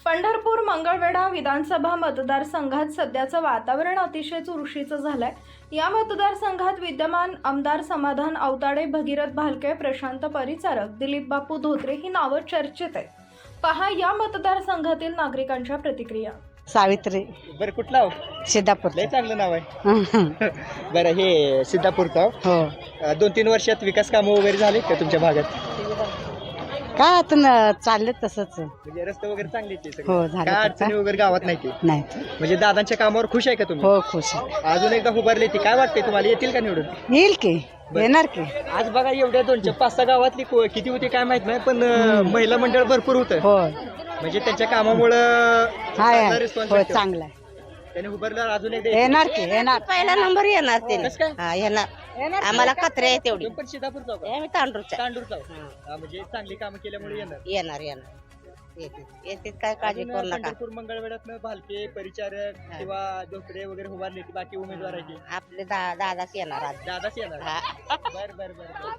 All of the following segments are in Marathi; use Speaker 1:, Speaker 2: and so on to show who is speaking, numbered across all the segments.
Speaker 1: पंढरपूर मंगळवेढा विधानसभा मतदारसंघात सध्याचं वातावरण अतिशय चुरशीचं झालंय। या मतदारसंघात विद्यमान आमदार समाधान आवताडे, भगीरथ भालके, प्रशांत परिचारक, दिलीप बापू धोत्रे ही नावं चर्चेत आहेत। पहा या मतदारसंघातील नागरिकांच्या प्रतिक्रिया।
Speaker 2: सावित्री
Speaker 3: बरं कुठला हो?
Speaker 2: सिद्धापूर
Speaker 3: लय चांगलं नाव आहे। बरं हे सिद्धापूरचं
Speaker 2: हो
Speaker 3: 2-3 वर्षात विकास कामं वगैरे झाले का तुमच्या भागात?
Speaker 2: काय आता चालले तसंच
Speaker 3: म्हणजे रस्ते वगैरे चांगले आहेत ते सगळे?
Speaker 2: हो, झाले
Speaker 3: काय
Speaker 2: तर
Speaker 3: अडचणी
Speaker 2: काय?
Speaker 3: वगैरे गावात नाही ते?
Speaker 2: नाही
Speaker 3: म्हणजे दादांच्या कामावर खुश आहे का तुम्ही?
Speaker 2: हो खुश आहे।
Speaker 3: अजून एकदा उभारले ती काय वाटते तुम्हाला, येतील का निवडून?
Speaker 2: येईल की येणार की
Speaker 3: आज बघा एवढ्या 2-5 गावातली किती होती काय माहित नाही, पण महिला मंडळ भरपूर होतं।
Speaker 2: हो
Speaker 3: म्हणजे त्यांच्या कामामुळं
Speaker 2: हाय
Speaker 3: रिस्पॉन्स
Speaker 2: हो चांगला आहे।
Speaker 3: त्याने उभारल्यावर अजून एकदा
Speaker 2: येणार की येणार
Speaker 4: पहिला नंबर येणार ते
Speaker 3: कसं काय?
Speaker 4: हा येणार आम्हाला कत्रे आहे तेवढी
Speaker 3: पण सिद्धापूरचा का?
Speaker 4: आम्ही तांडूरच्या
Speaker 3: तांडूरचा म्हणजे चांगली कामं केल्यामुळे येणार।
Speaker 4: येणार येते काय काळजी
Speaker 3: अजून
Speaker 4: करू नका
Speaker 3: पंढरपूर मंगळवेढ्यातनं भालके, परिचारक किंवा धोत्रे वगैरे उभारले की बाकी उमेदवार आहे की
Speaker 4: आपले दादाच येणार आज
Speaker 3: दादाच येणार?
Speaker 4: हा.
Speaker 3: बर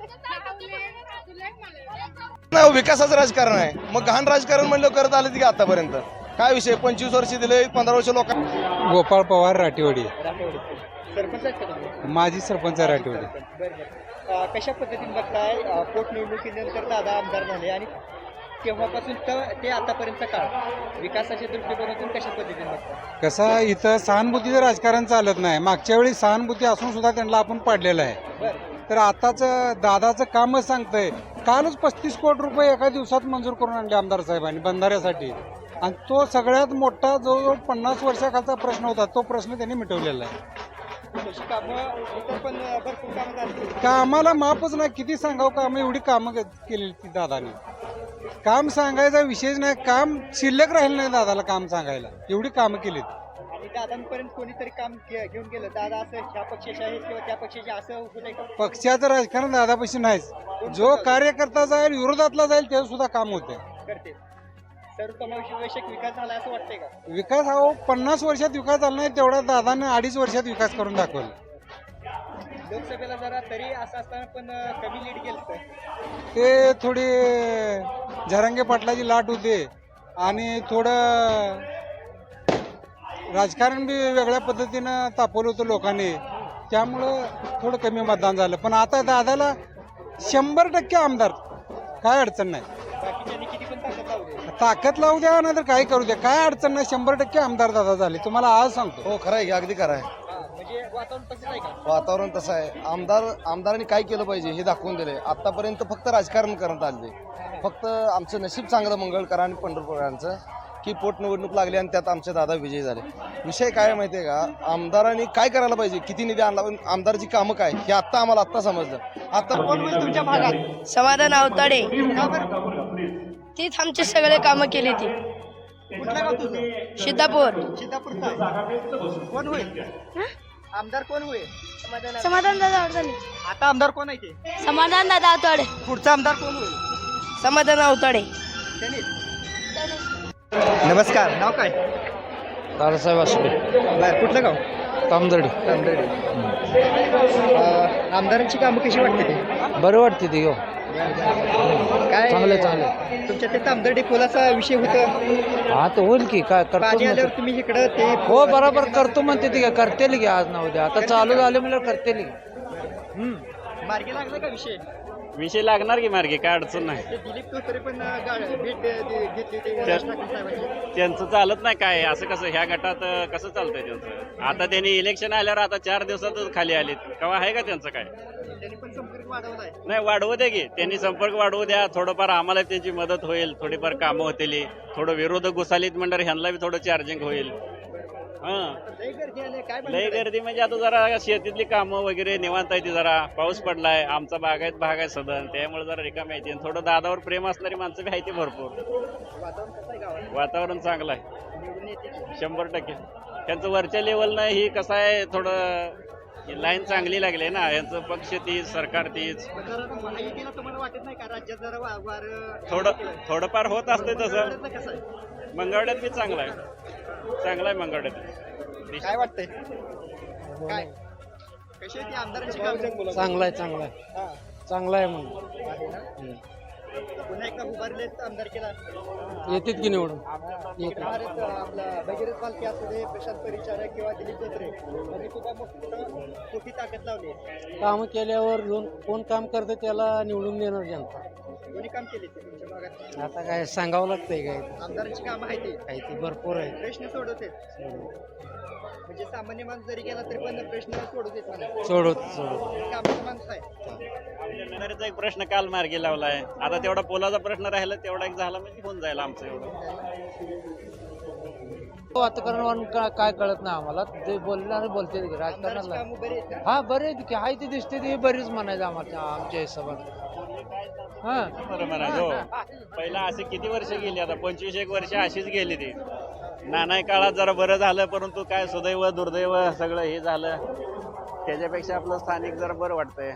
Speaker 5: नाही विकासाचं राजकारण आहे, मग घाण राजकारण म्हणलं करत आले की आतापर्यंत काय विषय 25 वर्ष दिले, 15 वर्ष लोक।
Speaker 6: गोपाळ पवार राठीवाडी,
Speaker 3: सरपंच आहेत का तुम्ही?
Speaker 6: माजी सरपंच राठीवाडी।
Speaker 3: बरं कशा पद्धतीने बघताय पोटनिवडणुकीनंतर दादा आमदार झाले आणि तेव्हापासून तर ते आतापर्यंत काळ विकासाच्या दृष्टिकोनातून कशा पद्धतीने बघताय?
Speaker 6: कसं इथं सहानुभूतीचं राजकारण चालत नाही। मागच्या वेळी सहानुभूती असून सुद्धा त्यांना आपण पाडलेलं आहे।
Speaker 3: बरं
Speaker 6: तर आताच दादाचं कामच सांगतंय। कालच 35 कोटी रुपये एका दिवसात मंजूर करून आणले आमदार साहेबांनी बंधाऱ्यासाठी, आणि तो सगळ्यात मोठा जवळजवळ 50 वर्षाखालचा प्रश्न होता, तो प्रश्न त्यांनी मिटवलेला आहे।
Speaker 3: तशी कामं इतर पण भरपूर कामं झाली.
Speaker 6: कामाला मापच नाही, किती सांगावं कामं, एवढी कामं केलेली ती दादाने। काम सांगायचा विषयच नाही, काम शिल्लक राहिलं नाही दादाला काम सांगायला, एवढी कामं केलीत।
Speaker 3: आणि दादांपर्यंत कोणीतरी काम घेऊन गेलं, दादा असं ह्या पक्षाचे आहेत किंवा त्या पक्षाचे असं होतंय का?
Speaker 6: पक्षाचं राजकारण दादापाशी नाहीच। जो कार्यकर्ता जाईल विरोधातला जाईल ते सुद्धा काम होते
Speaker 3: करते सर्वसमावेशक विकास झाला असं वाटतंय का?
Speaker 6: विकास हा 50 वर्षात विकास झाला नाही, तेवढा दादाने 2.5 वर्षात विकास करून दाखवला।
Speaker 3: लोकसभेला जरा तरी असं असताना पण कमी लीड गेलं
Speaker 6: ते थोडी झरंगे पाटलाची लाट होते आणि थोडं राजकारण बी वेगळ्या पद्धतीनं तापवलं होतं लोकांनी, त्यामुळं थोडं कमी मतदान झालं। पण आता दादाला 100% आमदार, काय अडचण नाही।
Speaker 3: बाकीच्यांनी किती पण ताकद लावू दे.
Speaker 6: ताकद लावू द्या नाही तर काय करू द्या, काय अडचण नाही। 100% आमदार दादा झाले, तुम्हाला आज सांगतो।
Speaker 5: हो खरं आहे, अगदी खरं आहे।
Speaker 3: म्हणजे वातावरण तसंच आहे का?
Speaker 5: वातावरण तसं आहे। आमदारांनी काय केलं पाहिजे हे दाखवून दिले। आतापर्यंत फक्त राजकारण करण्यात आले, फक्त आमचं नशीब चांगलं मंगळकर आणि पंढरपूरांचं की पोटनिवडणूक लागली आणि त्यात आमचे दादा विजयी झाले। विषय काय माहिती आहे का, आमदारांनी काय करायला पाहिजे, किती निधी आणला, पण आमदाराची कामं काय हे आम्हाला समजलं। आता
Speaker 3: कोण होईल तुमच्या भागात?
Speaker 7: समाधान आवताडे,
Speaker 3: का बरं?
Speaker 7: तीच आमचे सगळे कामं केली ती।
Speaker 3: कुठलं गाव तुझं?
Speaker 7: सिद्धापूर,
Speaker 3: सिद्धापूरचा आहे. कोण होईल आमदार, कोण होईल?
Speaker 7: समाधान दादा आवताडे,
Speaker 3: आता आमदार कोण आहे ते?
Speaker 7: समाधान दादा आवताडे,
Speaker 3: पुढचा आमदार कोण होईल?
Speaker 7: समाधान आवताडे।
Speaker 3: त्यांनीच. नमस्कार, नाव काय?
Speaker 8: दादासाहेब आसुडे,
Speaker 3: बर कुठलं गाव?
Speaker 8: तामदर्डी।
Speaker 3: आमदारांची कामं कशी वाटते ते?
Speaker 8: बरं वाटते ती हो,
Speaker 3: काय
Speaker 8: चांगले।
Speaker 3: तुमच्या ते तामदर्डी पुलाचा विषय होता,
Speaker 8: हा तर होईल की, काय करतो
Speaker 3: पाणी आल्यावर तुम्ही इकडं ते
Speaker 8: हो बरोबर करतो म्हणते ती, करतेल की आज ना उद्या, आता चालू झाले म्हणजे करतेल की।
Speaker 3: मार्गी लागला का विषय?
Speaker 9: विषय लागणार की मार्गे, काय अडचण नाही।
Speaker 3: ते दिलीप तोतरे पण भेट घेतली होती राज ठाकरे साहेबांची.
Speaker 9: त्यांचं चालत नाही काय, असं कसं ह्या गटात कसं चालतंय त्यांचं? आता त्यांनी इलेक्शन आल्यावर आता 4 दिवसातच खाली आलेत, केव्हा आहे का त्यांचं काय?
Speaker 3: त्यांनी पण संपर्क वाढवलाय.
Speaker 9: नाही वाढवू द्या की, त्यांनी संपर्क वाढवू द्या, थोडंफार आम्हाला त्यांची मदत होईल, थोडीफार कामं होतील, थोडं विरोधक घुसालीत म्हणणार ह्यांना बी थोडं चार्जिंग होईल।
Speaker 3: लय गर्दी आली, काय
Speaker 9: लय गर्दी म्हणजे आता जरा शेतीतली कामं वगैरे निवांत आहे ती, जरा पाऊस पडलाय, आमचा भाग आहे सदन, त्यामुळे जरा रिकाम आहे। थोडं दादावर प्रेम असणारी माणसं बी आहे ती भरपूर।
Speaker 3: वातावरण कसं आहे गावात?
Speaker 9: वातावरण चांगलं आहे,
Speaker 3: निवडून येते की?
Speaker 9: 100%। त्यांचं वरच्या लेवलनं ही कसं आहे, थोडं लाईन चांगली लागली ना, यांचं पक्ष तीच, सरकार तीच,
Speaker 3: जरा महायुतीला तुम्हाला वाटत नाही का राज्यात जरा
Speaker 9: थोडंफार होत असते तसं।
Speaker 3: कसं आहे?
Speaker 9: मंगळवेढ्यात बी चांगलं आहे मंगळवेढ्यात।
Speaker 3: काय वाटतंय? काय कशी आहे ती आमदारांची कामं?
Speaker 8: चांगला आहे, चांगला आहे, चांगला आहे म्हणून।
Speaker 3: पुन्हा एकदा उभारलेत आमदार केला,
Speaker 8: येतात की निवडून
Speaker 3: भारत आपला भगीरथ बालके असू दे, प्रशांत परिचारक किंवा दिलीप धोत्रे यांनी सुद्धा मोठी ताकद लावली आहे.
Speaker 8: काम केल्यावर कोण काम करतं त्याला निवडून देणार जनता.
Speaker 3: कोणी काम केले ते तुमच्या भागात?
Speaker 8: आता काय सांगावं लागतंय काय
Speaker 3: आमदारांची कामं आहेत ते,
Speaker 8: काही ते भरपूर आहे.
Speaker 3: प्रश्न सोडवते. म्हणजे सामान्य माणूस जरी गेला तरी पण प्रश्न सोडवते मला.
Speaker 8: सोडत
Speaker 3: कामाचा माणूस आहे.
Speaker 9: आपल्या एक प्रश्न काल मार्गी लावलाय. आता तेवढा पोलाचा प्रश्न राहिला, तेवढा एक झाला म्हणजे होऊन जाईल आमचं एवढं.
Speaker 8: वातावरण काय कळत नाही आम्हाला. ते बोलणार बोलते
Speaker 3: आमदारांची
Speaker 8: राजकारणाला.
Speaker 3: कामं बरी आहेत का?
Speaker 8: हा बरे की आहे ते दिसते ते बरीच म्हणायचं आमच्या हिशोबात. हा
Speaker 9: बरं म्हणायचं हो. पहिला असे किती वर्ष गेली, आता 25-1 वर्ष अशीच गेली ती. नाना काळात जरा बरं झालं, परंतु काय सुदैव दुर्दैव सगळं हे झालं. त्याच्यापेक्षा आपलं स्थानिक जरा बरं वाटतंय.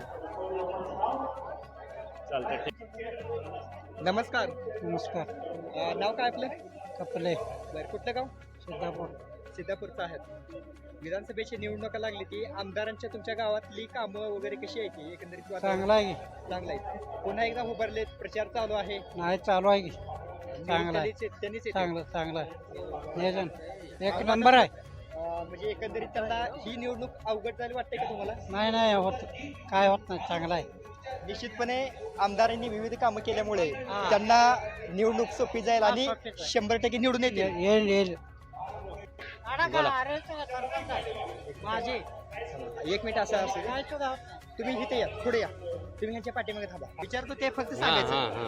Speaker 9: चालतंय ठीक.
Speaker 3: नमस्कार.
Speaker 6: नमस्कार.
Speaker 3: नाव काय आपलं?
Speaker 6: कपले
Speaker 3: बरं, कुठलं गाव?
Speaker 6: सिद्धापूर.
Speaker 3: सिद्धापूरचं आहे. विधानसभेची निवडणुका लागली ती आमदारांच्या तुमच्या गावातली कामं वगैरे कशी आहे ती एकंदरीत वातावरण?
Speaker 6: चांगला आहे की
Speaker 3: चांगलं आहे. पुन्हा एकदा उभारलेत, प्रचार चालू आहे.
Speaker 6: नाही चालू आहे की चांगला आहे.
Speaker 3: त्यांनीच येते.
Speaker 6: चांगलं आहे नियोजन एक नंबर आहे.
Speaker 3: म्हणजे एकंदरीत त्यांना ही निवडणूक अवघड झाली वाटते का तुम्हाला?
Speaker 6: नाही होत काय होत नाही चांगला आहे.
Speaker 3: निश्चितपणे आमदारांनी विविध कामं केल्यामुळे त्यांना निवडणूक सोपी जाईल आणि 100% निवडून येते.
Speaker 6: येईल
Speaker 3: माझे एक मिनिट असं असेल, तुम्ही इथे या, पुढे या, तुम्ही ह्यांच्या पाठीमागे थांबा. विचारतो ते फक्त सांगायचं.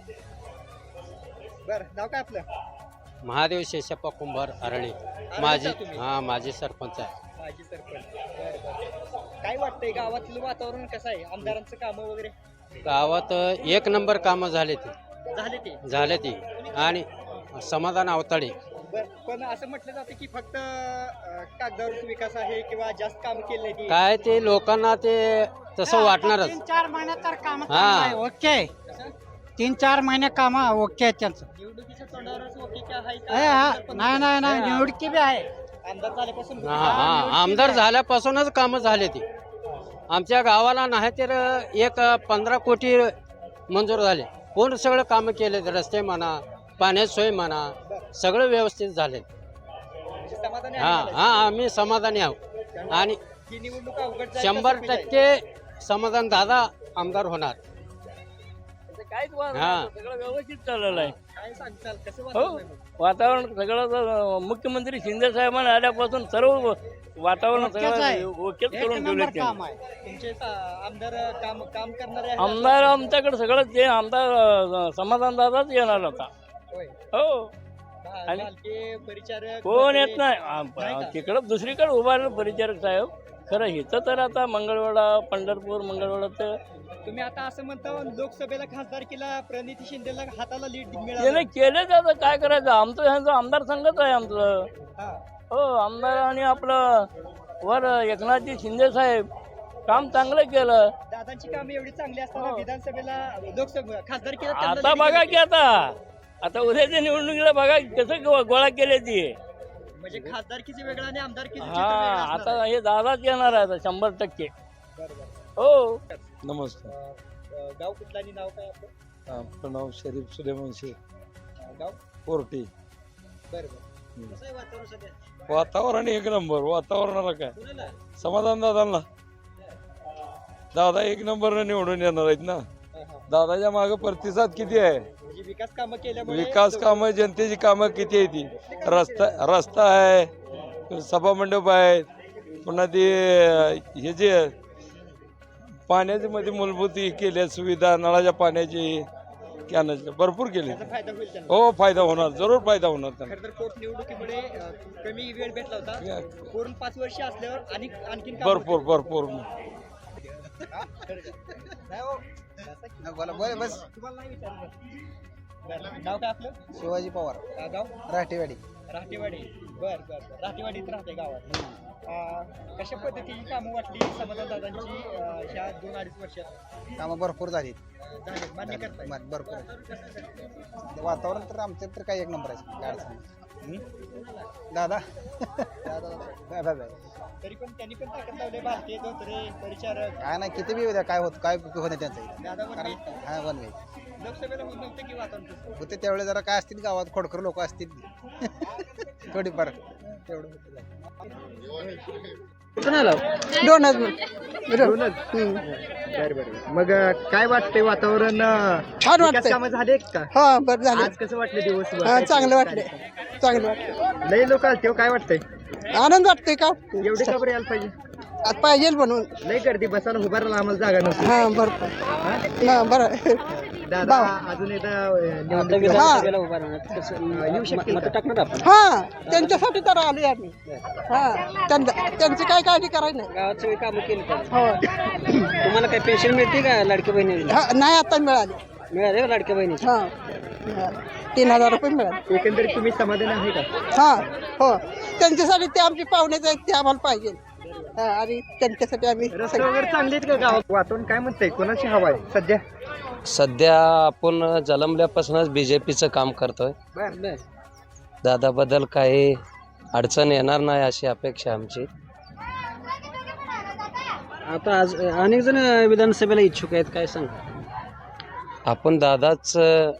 Speaker 3: बरं, नाव काय आपलं?
Speaker 8: महादेव शेषप्पा कुंभार अरणे. माझी सरपंच आहे.
Speaker 3: माझी सरपंच. बरं. काय वाटतंय गावातलं वातावरण कसं आहे? आमदारांचं कामं वगैरे
Speaker 8: गावात एक नंबर कामं झाले
Speaker 3: झाले ते?
Speaker 8: ती आणि समाधान अवताडे.
Speaker 3: बरं, पण असं म्हटलं जातं की फक्त कागदावर विकास आहे किंवा जास्त काम केलंय की
Speaker 8: काय ते लोकांना ते तसं वाटणारच.
Speaker 6: 3-4 महिन्यात तर काम
Speaker 8: हा.
Speaker 6: ओके. 3-4 महिने काम ओके आहेत त्यांचं.
Speaker 3: निवडणुकीच्या तोंडावरच ओके काय आहे
Speaker 6: नाही निवडकी बी आहे.
Speaker 3: आमदार झाल्यापासून
Speaker 8: आमदार झाल्यापासूनच कामं झाले ती. आमच्या गावाला नाही तर 15 कोटी मंजूर झाले. कोण सगळं कामं केले, रस्ते म्हणा, पाण्याची सोय म्हणा, सगळं व्यवस्थित झाले.
Speaker 3: समाधानी
Speaker 8: आम्ही समाधानी आहोत आणि
Speaker 3: ही निवडणूक अवघड जाईल का
Speaker 8: 100% समाधान दादा आमदार होणार.
Speaker 9: काहीच
Speaker 8: हा.
Speaker 9: सगळं व्यवस्थित चाललेलं आहे.
Speaker 3: काय सांगताल कसं
Speaker 9: हो,
Speaker 3: वातावरण आहे?
Speaker 9: वातावरण सगळं मुख्यमंत्री शिंदे साहेबांनी आल्यापासून सर्व वातावरण सगळं ओकेच करून ठेवले.
Speaker 3: तुमचे आमदार काम करणारे आहेत?
Speaker 9: आमदार आमच्याकडे सगळं ते आमदार समाधान दादाच येणार होता.
Speaker 3: होय.
Speaker 9: हो, आणि
Speaker 3: बालके, परिचारक
Speaker 9: कोण येत
Speaker 3: वगैरे
Speaker 9: नाही. तिकडं दुसरीकडे उभारलं परिचारक साहेब. खरं इथं तर आता मंगळवेढा, पंढरपूर, मंगळवेढा तर
Speaker 3: तुम्ही आता असं म्हणता लोकसभेला खासदारकीला प्रणिती शिंदेला हाताला लीड मिळालं.
Speaker 9: त्याने केलेच. आता काय करायचं, आमचं ह्यांचं आमदार संघच आहे आमचं.
Speaker 3: हा.
Speaker 9: हो, आमदार आणि आपलं वर एकनाथजी शिंदे साहेब काम चांगलं केलं.
Speaker 3: दादांची कामे एवढी चांगली असताना विधानसभेला लोकसभा खासदारकीला त्यांना
Speaker 9: आता
Speaker 3: lead
Speaker 9: बघा
Speaker 3: मिळाली.
Speaker 9: की आता उद्याच्या निवडणुकीला बघा कसं गोळा केले ती.
Speaker 3: म्हणजे खासदारकीची वेगळं आणि आमदारकीचं चित्र
Speaker 9: हा,
Speaker 3: वेगळं असणार
Speaker 9: आता
Speaker 3: आहे.
Speaker 9: हे दादाच येणार आहे आता 100%.
Speaker 3: बरोबर.
Speaker 9: हो.
Speaker 8: नमस्कार.
Speaker 3: गाव कुठलं आणि नाव काय आपलं?
Speaker 8: आपलं नाव शरीफ सुलेमानशी
Speaker 3: गाव
Speaker 8: कोर्टी.
Speaker 3: बरोबर. कसं आहे वातावरण सध्या?
Speaker 8: वातावरण एक नंबर. वातावरणाला काय
Speaker 3: कुणाला?
Speaker 8: समाधान दादांना. दादा एक नंबर निवडून येणार आहेत ना.
Speaker 3: हा, हा.
Speaker 8: दादाच्या मागे प्रतिसाद किती आहे.
Speaker 3: म्हणजे विकास कामं केल्यामुळे
Speaker 8: विकास कामं, जनतेची कामं किती आहे ती. रस्ता आहे, सभामंडप आहे, पुन्हा ते हे जे पाण्याची मध्ये मूलभूत केल्या सुविधा, नळाच्या पाण्याची, कॅनलच्या भरपूर केले.
Speaker 3: त्याचा फायदा होईल त्यांना.
Speaker 8: हो, फायदा होणार, जरूर फायदा होणार त्यांना.
Speaker 3: खरं तर पोटनिवडणुकीमुळे कमी वेळ भेटला होता. पूर्ण 5 वर्ष असल्यावर आणखीन काम
Speaker 8: भरपूर
Speaker 3: बोला बस. तुम्हाला नाही विचारलं. बरं. नाव काय आपलं?
Speaker 2: शिवाजी पवार,
Speaker 3: गाव?
Speaker 2: राठेवाडी.
Speaker 3: राहतेवाडी. बर. राहतेवाडीत राहते गावात. कशा पद्धतीची कामं वाटली समाधान दादांची ह्या 2-2.5 वर्षात?
Speaker 2: कामं भरपूर झाली.
Speaker 3: झाले, मान्य करताय?
Speaker 2: भरपूर. वातावरण तर आमच्या तर काही एक नंबर आहे. काय अडचण नाही. दादा
Speaker 3: तरी पण त्यांनी पण ताकद लावले. भारतीय धोत्रे, परिचारक.
Speaker 2: काय नाही किती बी उद्या काय होत काय होत नाही त्यांचं.
Speaker 3: दादा
Speaker 2: हा वन वे.
Speaker 3: लोकसभेला होत नव्हतं की वातावरण तसं?
Speaker 2: होते त्यावेळेस जरा काय असतील गावात खोडकर लोक असतील थोडीफार तेवढं होतं.
Speaker 3: कुठून आला
Speaker 10: दोनच
Speaker 3: बरं मग काय वाटतंय वातावरण
Speaker 10: छान
Speaker 3: विकास
Speaker 10: वाटतंय.
Speaker 3: कामं झाले का
Speaker 10: हा बरं झालं.
Speaker 3: आज कसं वाटलं दिवस
Speaker 10: हा, चांगलं वाटलं.
Speaker 3: लय लोक आलते हो, काय वाटतंय
Speaker 10: आनंद वाटतोय का
Speaker 3: एवढे का बरं यायला पाहिजे
Speaker 10: आता पाहिजे म्हणून.
Speaker 3: लय गर्दी बसायला उभारायला आम्हाला जागा नव्हती
Speaker 10: हा बरं हा बरं
Speaker 3: दादा अजून एकदा विधानसभेला उभा राहणार येऊ शकतील का?
Speaker 10: हा त्यांच्यासाठी तर आलोय आम्ही. हा त्यांची काय काळजी करायची नाही.
Speaker 3: गावात सगळी कामं केली
Speaker 10: हो
Speaker 3: तुम्हाला काय पेन्शन मिळते का लाडकी बहिणी
Speaker 10: हा, नाही आता मिळाली.
Speaker 3: मिळाले लाडक्या बहिणीची
Speaker 10: हा 3,000 रुपये मिळाले.
Speaker 3: एकंदरीत तुम्ही समाधान आहे का?
Speaker 10: हा हो त्यांच्यासाठी ते आमचे पाहुणेच आहेत ते आम्हाला पाहिजे. हा आणि त्यांच्यासाठी आम्ही
Speaker 3: रस्ते वगैरे चांगले आहेत का गावात? वातावरण काय म्हणतंय कोणाची हवा आहे सध्या?
Speaker 11: सध्या आपण जन्मल्यापासूनच BJPचं काम करतोय. दादाबद्दल काही अडचण येणार नाही अशी अपेक्षा आमची.
Speaker 3: आता आज अनेक जण विधानसभेला इच्छुक आहेत, काय सांग?
Speaker 11: आपण दादाच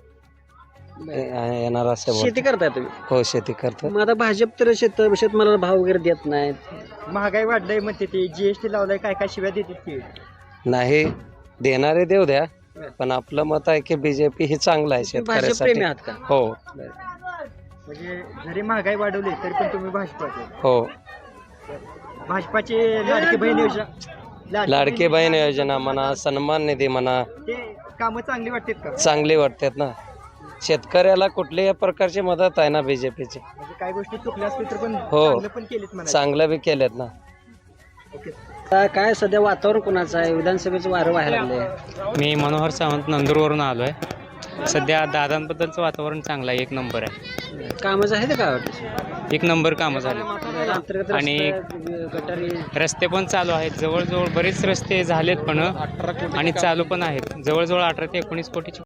Speaker 11: येणार असं
Speaker 3: शेती करताय तुम्ही?
Speaker 11: हो शेती करतो.
Speaker 3: मग आता भाजप तर शेतमालाला भाव वगैरे देत नाहीत, महागाई वाढलंय म्हणते ते, GST लावलाय, काय काय शिव्या देतात ते.
Speaker 11: नाही देणारे देऊ द्या, पण आपलं मत आहे की BJP ही चांगलं आहे
Speaker 3: भाजप प्रेमी
Speaker 11: शेतकऱ्यासाठी.
Speaker 3: आहात का?
Speaker 11: हो
Speaker 3: म्हणजे जरी महागाई वाढवली तरी पण तुम्ही भाजपाचे.
Speaker 11: हो.
Speaker 3: भाजपाचे लाडकी बहीण योजना,
Speaker 11: लाडकी बहीण योजना म्हणा, सन्मान निधी म्हणा,
Speaker 3: ते कामं चांगली वाटतात का?
Speaker 11: चांगली वाटतात ना. शेतकऱ्याला कुठल्याही प्रकारची मदत आहे ना BJPची.
Speaker 3: म्हणजे काही गोष्टी चुकल्या असतील तर पण
Speaker 11: हो.
Speaker 3: चांगलं पण केलीत म्हणा.
Speaker 11: चांगलं बी केलेत ना.
Speaker 3: काय सध्या वातावरण कोणाचं आहे? विधानसभेचं वारं व्हायला लागलंय.
Speaker 12: मी मनोहर सावंत नंदुरवरून आलो आहे. सध्या दादांबद्दलचं वातावरण चांगलं आहे, एक नंबर आहे.
Speaker 3: कामं आहेत का?
Speaker 12: एक नंबर कामं झाले
Speaker 3: अंतर्गत
Speaker 12: आणि
Speaker 3: रस्ते, गटारी,
Speaker 12: रस्ते पण चालू आहेत. जवळजवळ बरेच रस्ते झालेत पण आणि चालू पण आहेत. जवळजवळ 18 ते 19 कोटीची